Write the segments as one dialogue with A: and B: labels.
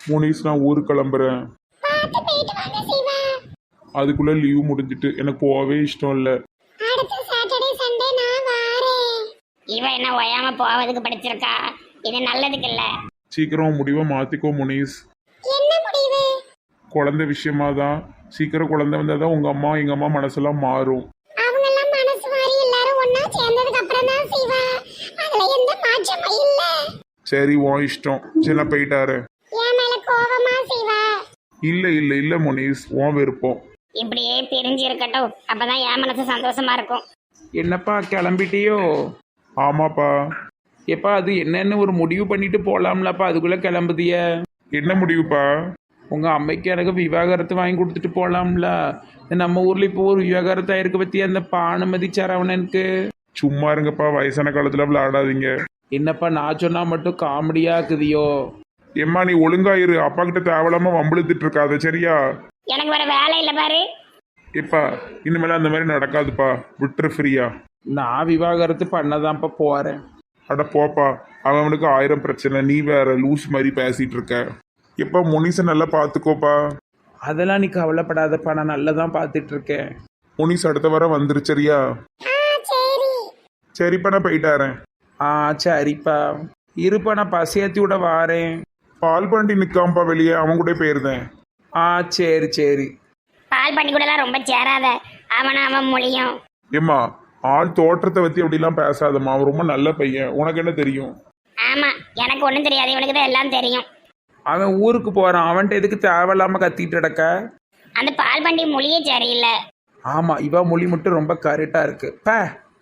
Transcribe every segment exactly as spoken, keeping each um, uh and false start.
A: முனிஸ் நான் ஊருக்கு கிளம்புறேன்.
B: பார்த்து போயிட்டு வாங்க சிவா.
A: அதுக்குள்ள லீவ் முடிஞ்சிட்டு எனக்கு போகவே இஷ்டம் இல்லை.
B: அடுத்த சாட்டர்டே சண்டே நான் வாரேன்.
C: இவ என்ன ஓயாம போவதுக்கு படிச்சிருக்கா? இது நல்லதுக்கு இல்ல.
A: சீக்கிரம் முடிவை மாத்திக்கோ முனிஸ்.
B: என்ன முடிவு?
A: குழந்தை விஷயமா தான். சீக்கிரம் குழந்தை வந்தால் தான் உங்கள் அம்மா எங்கள் அம்மா மனசெல்லாம் மாறும்.
B: அவங்க எல்லாம் மனசு மாறி எல்லாரும் ஒண்ணா சேர்ந்ததுக்கு அப்புறம் தான் சிவா. அதுல எந்த மாற்றமும் இல்ல.
A: சரி உன் இஷ்டம். சரி நான் போயிட்டாரு.
B: என் மேல கோவமா சிவா?
A: இல்லை இல்லை இல்லை முனிஸ், உன் விருப்பம்.
C: இப்படியே பிரிஞ்சு இருக்கட்டும், அப்பதான் என் மனசு சந்தோஷமா இருக்கும்.
D: என்னப்பா கிளம்பிட்டியோ?
A: ஆமாப்பா.
D: எப்பா அது என்னன்னு ஒரு முடிவு பண்ணிட்டு போலாம்லப்பா, அதுக்குள்ள கிளம்புதிய?
A: என்ன முடிவுப்பா?
D: உங்க அம்மைக்கு எனக்கு விவாகரத்து வாங்கி கொடுத்துட்டு போலாம்ல. நம்ம ஊர்ல இப்போ ஒரு விவாகரத்து ஆயிருக்கு பத்தி, அந்த பானுமதி சரவணனுக்கு.
A: சும்மா இருங்கப்பா, வயசான காலத்துல விளையாடாதீங்க.
D: என்னப்பா நான் சொன்னா மட்டும் காமெடியா இருக்குதியோ?
A: எம்மா நீ ஒழுங்காயிரு, அப்பா கிட்ட தேவையில்லாம வம்பிழுத்துட்டு இருக்காத சரியா?
C: எனக்கு வேற வேலை இல்ல பாரு.
A: எப்பா இனிமேல அந்த மாதிரி நடக்காதுப்பா, விட்டுரு ஃப்ரீயா.
D: நான் விவாகரத்து பண்ணதான்ப்பா போறேன்.
A: அட போப்பா, அவனுக்கு ஆயிரம் பிரச்சனை, நீ வேற லூஸ் மாதிரி பேசிட்டு இருக்க. எப்பா முனிசை நல்லா பார்த்துக்கோப்பா.
D: அதெல்லாம் நீ கவலைப்படாதப்பா, நான் நல்லதான் பார்த்துட்டு இருக்கேன்.
A: முனிஸ் அடுத்த வாரம் வந்துரு சரியா?
B: ஆ சரி.
A: சரிப்பா நான் போயிட்டாரேன்.
D: ஆ சரிப்பா, இருப்பா நான் பசியாத்தி விட வாரேன்.
A: பால் பாண்டி நிற்காம்பா வெளியே, அவன் கூட போயிருந்தேன்.
D: ஆ சரி சரி.
C: பால் பண்ணி கூட ரொம்ப சேராத, அவன அவன் மொழியும்.
A: ஏம்மா ஆள் தோற்றத்தை பற்றி அப்படிலாம் பேசாதம்மா, அவன் ரொம்ப நல்ல பையன், உனக்கு என்ன தெரியும்?
C: ஆமா, எனக்கு ஒண்ணும் தெரியாது, இவனுக்கு தான் எல்லாம் தெரியும்.
D: அவன் ஊருக்கு போறான், அவன்கிட்ட எதுக்கு தேவையில்லாம கத்திட்டு கிடக்க?
C: அந்த பால் பண்ணி மொழியே சரியில்லை.
D: ஆமா, இவ மொழி மட்டும் ரொம்ப கரெக்டா இருக்கு. பே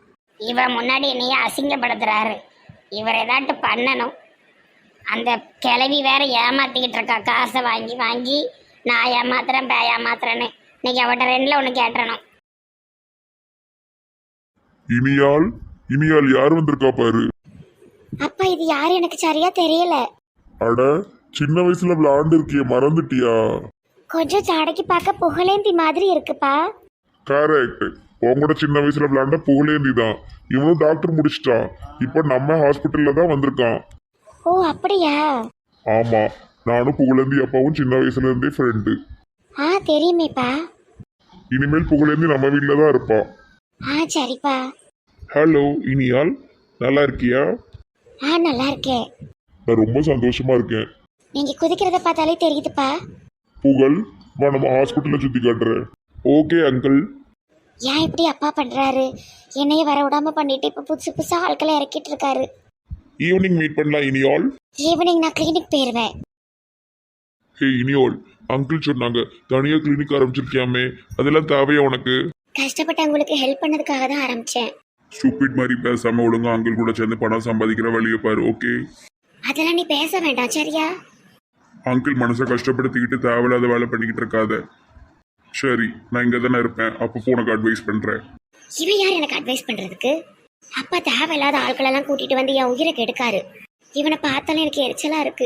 C: இவ முன்னாடி என்னைய அசிங்கப்படுத்துறாரு. இவர் ஏதாட்டு பண்ணணும். அந்த கிளவி வேற ஏமாத்திக்கிட்டு இருக்கா, காசை வாங்கி வாங்கி. நான் ஏமாத்துறேன் பே ஏமாத்துறேன்னு. இன்னைக்கு அவட்ட ரெண்டுல ஒன்று கேட்டுறணும்.
A: இனியால் இனியால் யார் வந்திருக்கா பாரு.
B: அப்பா இது யாரு எனக்கு சரியா தெரியல.
A: அட சின்ன வயசுல விளையாண்டு இருக்கிய, மறந்துட்டியா?
B: கொஞ்சம் ஜாடைக்கு பார்க்க புகழேந்தி மாதிரி இருக்குப்பா.
A: கரெக்ட், உங்களோட சின்ன வயசுல விளையாண்ட புகழேந்தி தான். இவனும் டாக்டர் முடிச்சிட்டான், இப்போ நம்ம ஹாஸ்பிட்டல்ல தான் வந்திருக்கான்.
B: ஓ அப்படியா?
A: ஆமா, நானும் புகழேந்தி அப்பாவும் சின்ன வயசுல இருந்தே ஃப்ரெண்டு.
B: ஆ தெரியுமேப்பா.
A: இனிமேல் புகழேந்தி நம்ம வீட்டில தான் இருப்பா.
B: ஆ சரிப்பா.
A: ஹலோ இனியால், நல்லா இருக்கியா?
B: ஆ நல்லா இருக்கேன்.
A: நான் ரொம்ப சந்தோஷமா இருக்கேன்.
B: நீங்க குதிக்கிறத பார்த்தாலே தெரியுதுப்பா.
A: புகழ் வா நம்ம ஹாஸ்பிட்டல்ல சுத்தி காட்டுறேன். Okay uncle.
B: ஏன் இப்படி அப்பா பண்றாரு? என்னைய வர விடாம பண்ணிட்டு இப்ப புதுசு புதுசா ஆட்களை இறக்கிட்டு இருக்காரு.
A: ஈவினிங் மீட் பண்ணலாம் இனியால்.
B: ஈவினிங் நான் கிளினிக் போயிருவேன்.
A: ஹே இனியால், அங்கிள் சொன்னாங்க தனியா கிளினிக் ஆரம்பிச்சிருக்கியாமே, அதெல்லாம் தேவையா உனக்கு?
B: கஷ்டப்பட்டவங்களுக்கு ஹெல்ப் பண்ணதுக்காக தான் ஆரம்பிச்சேன்.
A: ஸ்டூபிட் மாதிரி பேசாம ஒழுங்கா அங்கிள் கூட சேர்ந்து பணம் சம்பாதிக்கிற வழியை பாரு. ஓகே
B: அதெல்லாம் நீ பேச வேண்டாம் சரியா?
A: அங்கிள் மனசை கஷ்டப்படுத்திக்கிட்டு தேவையில்லாத வேலை பண்ணிக்கிட்டு இருக்காத. சரி நான் இங்கே தானே இருப்பேன், அப்பப்போ உனக்கு அட்வைஸ் பண்ணுறேன்.
B: இவன் யார் எனக்கு அட்வைஸ் பண்றதுக்கு? அப்பா தேவையில்லாத ஆட்களெல்லாம் கூட்டிட்டு வந்து என் உயிரை கெடுக்காரு. இவனை பார்த்தாலும் எனக்கு எரிச்சலா இருக்கு.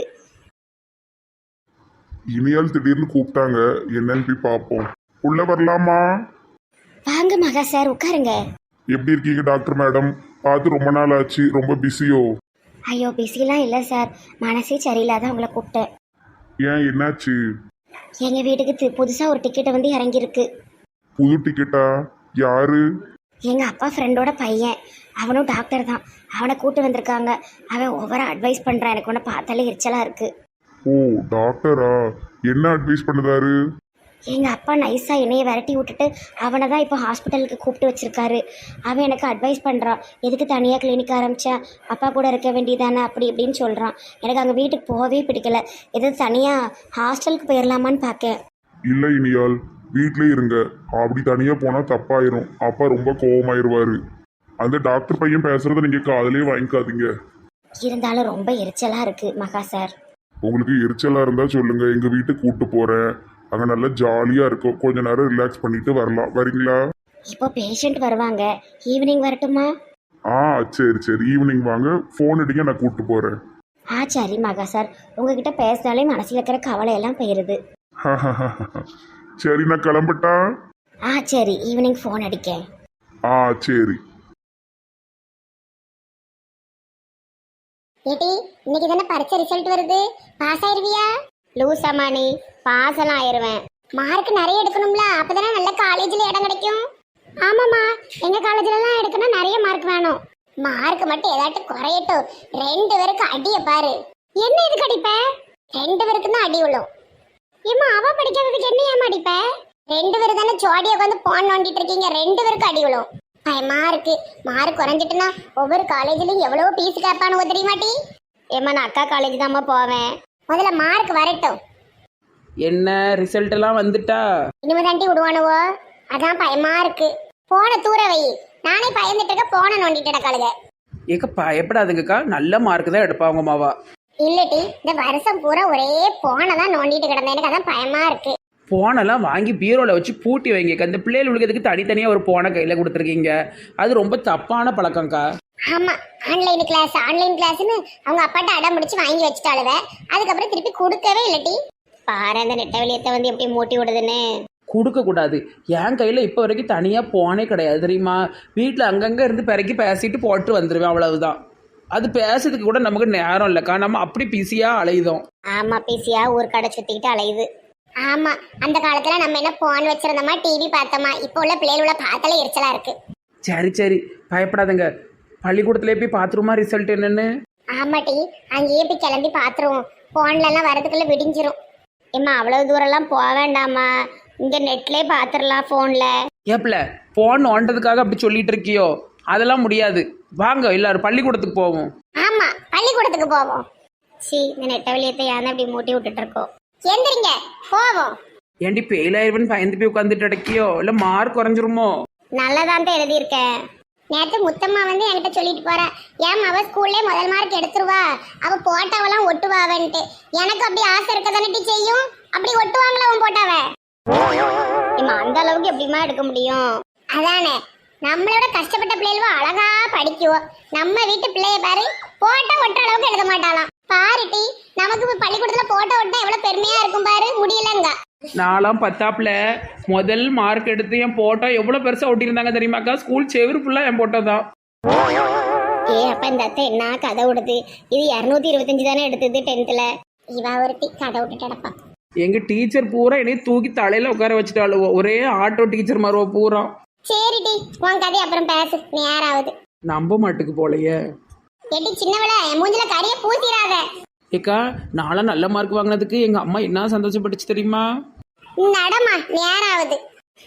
A: இனியால் திடீர்னு கூப்பிட்டாங்க, என்னன்னு போய் பார்ப்போம். உள்ள வரலாமா?
B: வாங்க மகா சார் உட்காருங்க.
A: எப்படி இருக்கீங்க டாக்டர் மேடம்? பார்த்து ரொம்ப நாள் ஆச்சு, ரொம்ப பிஸியோ?
B: ஐயோ பிஸிலாம் இல்லை சார், மனசே சரியில்லாத உங்களை கூப்பிட்டேன்.
A: ஏன் என்னாச்சு?
B: எங்க வீட்டுக்கு தி- புதுசா ஒரு டிக்கெட்டை வந்து இறங்கியிருக்கு.
A: புது டிக்கெட்டா? யாரு?
B: எங்க அப்பா ஃப்ரெண்டோட பையன், அவனும் டாக்டர் தான். அவனை கூட்டு வந்திருக்காங்க. அவன் ஓவரா அட்வைஸ் பண்றான், எனக்கு உன்னை பார்த்தாலே எரிச்சலா இருக்கு.
A: ஓ டாக்டரா? என்ன அட்வைஸ் பண்ணுதாரு?
B: எங்க அப்பா நைஸா என்னைய விரட்டி விட்டுட்டு அவனை தான் இப்போ ஹாஸ்பிட்டலுக்கு கூப்பிட்டு வச்சிருக்காரு. அவன் எனக்கு அட்வைஸ் பண்றான், எதுக்கு தனியாக கிளினிக் ஆரம்பிச்சேன், அப்பா கூட இருக்க வேண்டியதானே அப்படி இப்படின்னு சொல்றான். எனக்கு அங்கே வீட்டுக்கு போகவே பிடிக்கல. எதாவது தனியாக ஹாஸ்டலுக்கு போயிடலாமான்னு பார்க்கேன்.
A: இல்லை இனியால், வீட்டிலே இருங்க. அப்படி தனியாக போனால் தப்பாயிரும், அப்பா ரொம்ப கோவமாயிருவாரு. அந்த டாக்டர் பையன் பேசுறத நீங்கள் காதலே வாங்கிக்காதீங்க.
B: இருந்தாலும் ரொம்ப எரிச்சலா இருக்கு மகா சார்.
A: உங்களுக்கு எரிச்சலாக இருந்தால் சொல்லுங்க, எங்கள் வீட்டுக்கு கூப்பிட்டு போகிறேன். அங்கே நல்லா ஜாலியாக இருக்கும், கொஞ்ச நேரம் ரிலாக்ஸ் பண்ணிட்டு வரலாம். வரீங்களா?
B: இப்போ பேஷண்ட் வருவாங்க, ஈவினிங் வரட்டுமா?
A: ஆ சரி சரி, ஈவினிங் வாங்க, ஃபோன் அடிங்க, நான் கூப்பிட்டு போகிறேன்.
B: ஆ சரி மகா சார், உங்ககிட்ட பேசினாலே மனசில் இருக்கிற கவலையெல்லாம் போயிடுது.
A: சரி நான் கிளம்பட்டா?
B: ஆ சரி, ஈவினிங் ஃபோன் அடிக்கேன்.
A: ஆ சரி.
B: ஏடி இன்னைக்கு தானே பரீட்சை ரிசல்ட் வருது, பாஸ் ஆயிருவியா?
C: லூசாமா நீ பாசலாம் ஆயிருவேன். மார்க் நிறைய எடுக்கணும்ல, அப்பதானே நல்ல காலேஜ்ல இடம் கிடைக்கும். ஆமாம்மா, எங்க காலேஜ்லலாம் எடுக்கணும் நிறைய மார்க் வேணும். மார்க் மட்டும் ஏதாட்டும் குறையட்டும். ரெண்டு பேருக்கு அடிய பாரு. என்ன இதுக்கு அடிப்ப? ரெண்டு பேருக்கு தான் அடி விழும். ஏம்மா அவ படிக்காததுக்கு என்ன ஏமா அடிப்ப? ரெண்டு பேரும் தானே ஜோடியா உட்காந்து போன் நோண்டிட்டு இருக்கீங்க, ரெண்டு பேருக்கு அடி விழும். பயமா இருக்கு. மார்க் குறைஞ்சிட்டுனா ஒவ்வொரு காலேஜ்லயும் எவ்வளவு பீஸ் கேட்பானு தெரியுமாட்டி? ஏமா நான் அக்கா காலேஜ் தாம்மா போவேன். முதல்ல மார்க் வரட்டும்.
D: என்ன ரிசல்ட் எல்லாம் வந்துட்டா?
C: இனிமே தாண்டி விடுவானுவோ, அதான் பயமா இருக்கு. போன தூர வை. நானே பயந்துட்டு இருக்க, போன நோண்டிட்டு கிடக்காளுங்க.
D: ஏக்க பயப்படாதுங்கக்கா, நல்ல மார்க் தான் எடுப்பா உங்க மாவா.
C: இல்லட்டி இந்த வருஷம் பூரா ஒரே போனை தான் நோண்டிட்டு கிடந்தேன். எனக்கு அதான் பயமா இருக்கு.
D: போனெல்லாம் வாங்கி பீரோவில் வச்சு பூட்டி வைங்கக்கா. இந்த பிள்ளைகள் உலகத்துக்கு தனித்தனியாக ஒரு போனை கையில் கொடுத்துருக்கீங்க. அது ரொம்ப தப்பான பழக்கம்க்கா.
C: ஆமா, ஆன்லைன் கிளாஸ் ஆன்லைன் கிளாஸ்னு அவங்க அப்பாட்ட அடம் முடிச்சு வாங்கி வச்சுட்டாளுவ. அதுக்கப்புறம் திருப்பி கொடுக்கவே இல்லட்டி. பாரு அந்த நெட்ட வெளியத்தை வந்து எப்படி மூட்டி விடுதுன்னு.
D: கொடுக்கக்கூடாது. என் கையில் இப்போ வரைக்கும் தனியாக போனே கிடையாது தெரியுமா. வீட்டில் அங்கங்கே இருந்து பிறக்கி பேசிட்டு போட்டு வந்துடுவேன், அவ்வளவுதான். அது பேசுறதுக்கு கூட நமக்கு நேரம் இல்லைக்கா. நம்ம அப்படி பிஸியாக அலையுதோம்.
C: ஆமா, பிஸியா ஊர் கடை சுத்திக்கிட்டு அலையுது. ஆமா, அந்த காலத்துல நம்ம என்ன போன் வச்சிருந்தோமா, டிவி பார்த்தோமா. இப்போ உள்ள பிள்ளைகளோட பார்த்தாலே எரிச்சலா இருக்கு.
D: சரி சரி பயப்படாதுங்க. பள்ளிக்கூடத்துலேயே போய் பார்த்துருமா ரிசல்ட் என்னன்னு?
C: ஆமாட்டி, அங்கேயே போய் கிளம்பி பாத்துருவோம். போன்ல எல்லாம் வரதுக்குள்ள விடிஞ்சிரும். ஏம்மா அவ்வளவு தூரம் எல்லாம் போக வேண்டாமா, இங்க நெட்லயே பாத்துரலாம் போன்ல.
D: ஏப்பில் போன் ஓண்டதுக்காக அப்படி சொல்லிட்டு இருக்கியோ? அதெல்லாம் முடியாது. வாங்க எல்லாரும் பள்ளிக்கூடத்துக்கு போவோம்.
C: ஆமா, பள்ளிக்கூடத்துக்கு போவோம். சி இந்த நெட்ட வெளியத்தை யானை அப்படி மூட்டி விட்டுட்டு இருக்கோம். எந்திரிங்க போவோம்.
D: ஏண்டி பெயிலாயிருவன் பயந்து போய் உட்காந்துட்டு அடக்கியோ? இல்லை மார்க் குறைஞ்சிருமோ?
C: நல்லதான் தான் எழுதியிருக்கேன். நேற்று முத்தம்மா வந்து என்கிட்ட சொல்லிட்டு போறா, ஏன் அவ ஸ்கூல்லே முதல் மார்க் எடுத்துருவா, அவ போட்டாவெல்லாம் ஒட்டுவாவன்ட்டு. எனக்கு அப்படி ஆசை இருக்க தானே செய்யும். அப்படி ஒட்டுவாங்களா அவன் போட்டாவ? அந்த அளவுக்கு எப்படிமா எடுக்க முடியும்? அதானே, நம்மளோட கஷ்டப்பட்ட பிள்ளைகளும் அழகா படிக்குவோம். நம்ம வீட்டு பிள்ளைய பாரு, போட்டா ஒட்டுற அளவுக்கு எழுத மாட்டாளாம். பாருட்டி, நமக்கு பள்ளிக்கூடத்துல போட்டோ ஒட்ட எவ்வளவு பெருமையா இருக்கும் பாரு. முடியலங்க.
D: நாலாம் பத்தாப்புல முதல் மார்க் எடுத்து என் போட்டோ எவ்வளோ பெருசாக ஒட்டியிருந்தாங்க தெரியுமாக்கா? ஸ்கூல் செவரு ஃபுல்லாக என் போட்டோ தான்.
C: ஏ அப்ப இந்த அத்தை என்ன கதை விடுது? இது இரநூத்தி இருபத்தஞ்சு தானே எடுத்தது டென்த்ல. இவ ஒருத்தி கதை விட்டு கிடப்பா.
D: எங்கள் டீச்சர் பூரா என்னை தூக்கி தலையில் உட்கார வச்சுட்டாளுவோ. ஒரே ஆட்டோ டீச்சர் மாறுவோ பூரா.
C: சரிடி, உன் கதை அப்புறம் பேசு, நேராவது.
D: நம்ப மாட்டுக்கு போலையே.
C: எட்டி சின்னவள, என் மூஞ்சில கரிய பூசிராத.
D: ஏக்கா நான்லாம் நல்ல மார்க் வாங்கினதுக்கு எங்கள் அம்மா என்ன சந்தோஷப்பட்டுச்சு தெரியுமா?
C: நடமா, நேராவது.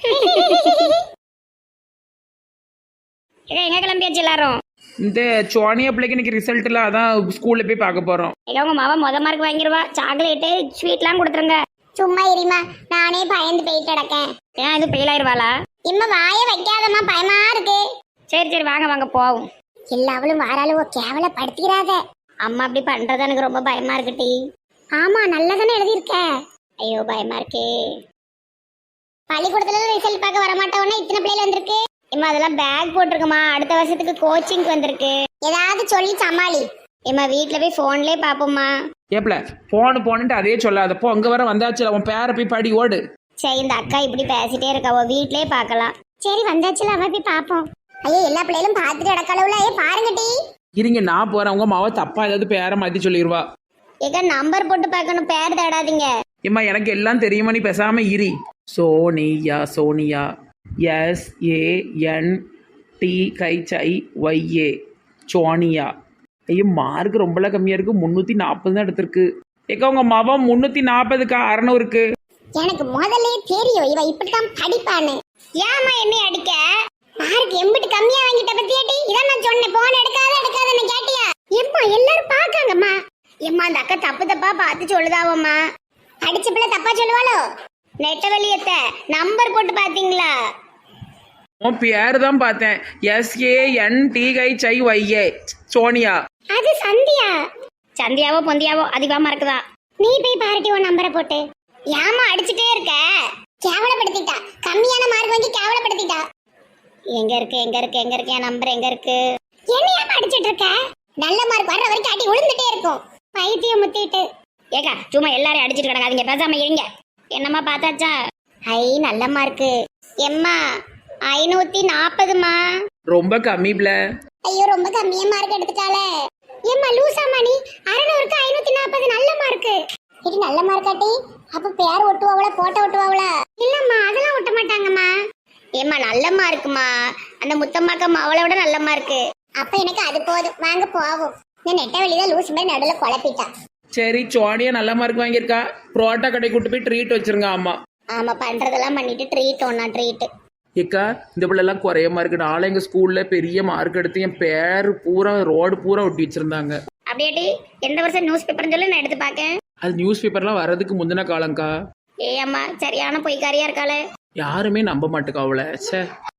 C: எங்க கிளம்பியாச்சு எல்லாரும்?
D: இந்த சோனியா பிள்ளைக்கு இன்னைக்கு ரிசல்ட்ல அதான் ஸ்கூல்ல போய் பார்க்க போறோம்.
C: உங்க மாவா முத மார்க் வாங்கிடுவா. சாக்லேட்டு ஸ்வீட்லாம் கொடுத்துருங்க. சும்மா இருமா, நானே பயந்து போயிட்டு கிடக்கேன். ஏன் இது ஃபெயில் ஆயிருவாளா? இம்மா வாய வைக்காதம்மா, பயமா இருக்கு. சரி சரி வாங்க வாங்க போவோம். எல்லாவளும் வாராளுவோ, கேவலப்படுத்திடாத. அம்மா அப்படி பண்றது எனக்கு ரொம்ப பயமா இருக்குட்டி. ஆமா, நல்லதானே எழுதியிருக்க. ஐயோ பயமா இருக்கே. பள்ளிக்கூடத்துல ரிசல்ட் பார்க்க வரமாட்டோம்னா இத்தனை பிள்ளைகள் வந்திருக்கு. இம்மா அதெல்லாம் பேக் போட்டிருக்குமா, அடுத்த வருஷத்துக்கு கோச்சிங் வந்திருக்கு. ஏதாவது சொல்லி சமாளி. இம்மா வீட்டுல போய் போன்லயே பாப்போம்மா.
D: ஏப்ல போனு போனுட்டு அதே சொல்லாதப்போ அங்க வர வந்தாச்சுல, உன் பேரை போய் படி ஓடு.
C: சரி இந்த அக்கா இப்படி பேசிட்டே இருக்காவோ, வீட்லயே பாக்கலாம். சரி வந்தாச்சுல, அவ போய் பாப்போம். ஐயோ எல்லா பிள்ளைகளும் பார்த்துட்டு அடக்கலவுல. ஏ பாருங்க டி.
D: இருங்க நான் போறேன். உங்க மாவ தப்பா ஏதாவது பேரை மாத்தி சொல்லிடுவா.
C: ஏக்கா நம்பர் போட்டு பார்க்கணும், பேர் தேடாதீங்க.
D: ஏம்மா எனக்கு எல்லாம் தெரியுமா, நீ பேசாம இரி. Sonia Sonia S A N D H Y A Sonia. ஐயோ மார்க் ரொம்பலாம் கம்மியா இருக்கு. முன்னூத்தி நாற்பது தான் எடுத்திருக்கு. ஏக்கா உங்க மாவா முன்னூத்தி நாற்பதுக்கா அறநூறுக்கு.
C: எனக்கு முதல்ல தெரியும் இவ இப்படித்தான் படிப்பான்னு. ஏமா என்னை அடிக்க? மார்க் எம்பிட்டு கம்மியா வாங்கிட்ட பத்தியாட்டி? இதான் நான் சொன்னேன், போன் எடுக்காத எடுக்காதன்னு கேட்டியா? எம்மா எல்லாரும் பாக்காங்கம்மா. எம்மா அந்த அக்கா தப்பு தப்பா பார்த்து சொல்லுதாவம்மா. அடிச்ச பிள்ளை தப்பா சொல்லுவாளோ? நெட்ட வெளியத்த நம்பர் போட்டு பாத்தீங்களா?
D: உன் பேரு தான் பார்த்தேன். S A N D H Y A Sonia.
C: அது சந்தியா. சந்தியாவோ பொந்தியாவோ அதிகமா இருக்குதா? நீ போய் பாருட்டி உன் நம்பரை போட்டு. ஏமா அடிச்சுட்டே இருக்க? கேவலப்படுத்திட்டா. கம்மியான மார்க் வாங்கி கேவலப்படுத்திட்டா. எங்க இருக்கு எங்க இருக்கு எங்க இருக்கு என் நம்பர் எங்க இருக்கு? என்ன ஏமா அடிச்சிட்டு இருக்க? நல்ல மார்க் வர்ற வரைக்கும் அடி விழுந்துட்டே இருக்கும். பைத்தியம் முத்திட்டு. ஏக்கா சும்மா எல்லாரையும் அடிச்சிட்டு கிடக்காதீங்க, பேசாம இருங்க. என்னம்மா பார்த்தாச்சா? ஐ நல்ல மார்க்கு. எம்மா ஐநூத்தி நாற்பதுமா.
D: ரொம்ப கம்மி பிள்ள.
C: ஐயோ ரொம்ப கம்மியா மார்க் எடுத்துட்டாளே. ஏம்மா லூசாமா நீ? அறுநூறுக்கு ஐநூத்தி நாற்பது நல்ல மார்க்கு. இது நல்ல மார்க் இருக்காட்டி அப்ப பேர் ஒட்டுவாவள போட்டோ ஒட்டுவாவள இல்லம்மா அதெல்லாம் ஒட்ட மாட்டாங்கம்மா ஏம்மா நல்லம்மா இருக்குமா அந்த முத்தம்மாக்கம்மா அவளை விட நல்லம்மா இருக்கு அப்ப எனக்கு அது போதும் வாங்க போவோம் இந்த நெட்ட வெளிதான் லூஸ் மாதிரி நடுவில் குழப்பிட்டா
D: சரி சோனியா நல்ல மார்க் வாங்கியிருக்கா புரோட்டா கடை கூட்டு போய் ட்ரீட் வச்சிருங்க ஆமா
C: ஆமா பண்றதெல்லாம் பண்ணிட்டு ட்ரீட் ஒன்னா ட்ரீட்
D: ஏக்கா இந்த பிள்ளைலாம் குறையமா இருக்கு நாளை எங்கள் ஸ்கூலில் பெரிய மார்க் எடுத்து என் பேர் பூரா ரோடு பூரா ஒட்டி வச்சிருந்தாங்க
C: அப்படியாட்டி எந்த வருஷம் நியூஸ் பேப்பர்னு சொல்லி நான் எடுத்து பார்க்கேன்
D: அது நியூஸ் பேப்பர்லாம் வர்றதுக்கு முந்தின காலங்க்கா
C: ஏ அம்மா சரியான பொய்க்காரியா இருக்காளே
D: யாருமே நம்ப மாட்டுக்கா அவளை சே